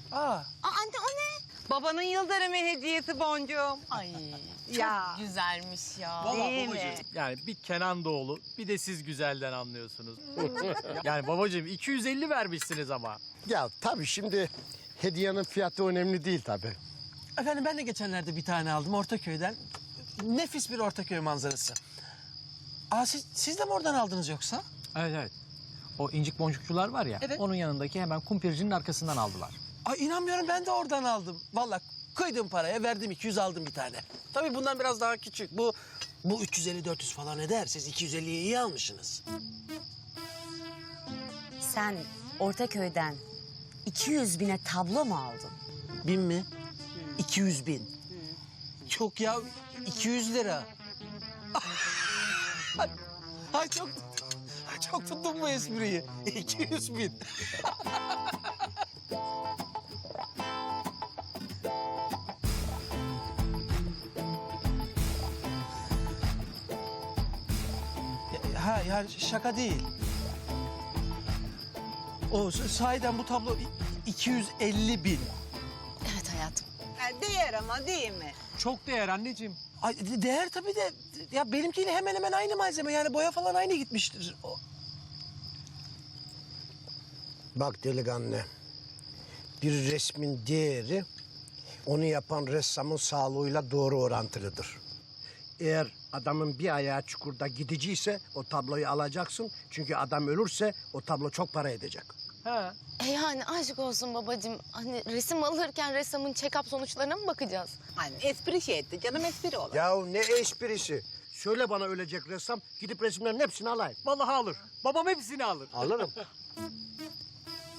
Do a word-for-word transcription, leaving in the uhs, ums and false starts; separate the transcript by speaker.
Speaker 1: Aa.
Speaker 2: Aa, anne o ne?
Speaker 3: Babanın yıl dönümü hediyesi boncuğum.
Speaker 2: Ay çok
Speaker 3: Ya.
Speaker 2: güzelmiş ya.
Speaker 3: Değil mi?
Speaker 1: Yani bir Kenan Doğulu, bir de siz güzelden anlıyorsunuz. Yani babacığım iki yüz elli vermişsiniz ama.
Speaker 4: Ya tabii şimdi hediyenin fiyatı önemli değil tabii.
Speaker 5: Efendim ben de geçenlerde bir tane aldım Ortaköy'den. Nefis bir Ortaköy manzarası. Aa siz, siz de mi oradan aldınız yoksa?
Speaker 6: Evet evet. O incik boncukçular var ya,
Speaker 5: Evet.
Speaker 6: onun yanındaki hemen kumpircinin arkasından aldılar.
Speaker 5: Ay inanmıyorum ben de oradan aldım. Vallahi kıydım paraya verdim iki yüz aldım bir tane. Tabii bundan biraz daha küçük. Bu bu üç yüz elli dört yüz falan eder. Siz iki yüz elliye iyi almışsınız.
Speaker 2: Sen Ortaköy'den iki yüz bine tablo mu aldın?
Speaker 5: Bin mi? iki yüz bin. Çok ya iki yüz lira. Ay çok çok tuttum bu espriyi. iki yüz bin. Ya- Ha yani şaka değil. O sahiden bu tablo iki yüz elli bin.
Speaker 2: Evet hayatım.
Speaker 3: Ha, değer ama değil mi?
Speaker 6: Çok değer anneciğim.
Speaker 5: Ay de- değer tabii de ya benimkiyle hemen hemen aynı malzeme yani boya falan aynı gitmiştir. O-
Speaker 4: Bak delikanlı, bir resmin değeri onu yapan ressamın sağlığıyla doğru orantılıdır. Eğer adamın bir ayağı çukurda gidiciyse o tabloyu alacaksın. Çünkü adam ölürse o tablo çok para edecek.
Speaker 6: Ha.
Speaker 2: E yani aşk olsun babacığım. Hani resim alırken ressamın check-up sonuçlarına mı bakacağız?
Speaker 3: Hani espri şey etti canım, espri olur.
Speaker 4: Ya ne esprisi? Söyle bana ölecek ressam, gidip resimlerin hepsini alayım.
Speaker 6: Vallahi alır. Babam hepsini alır.
Speaker 4: Alırım.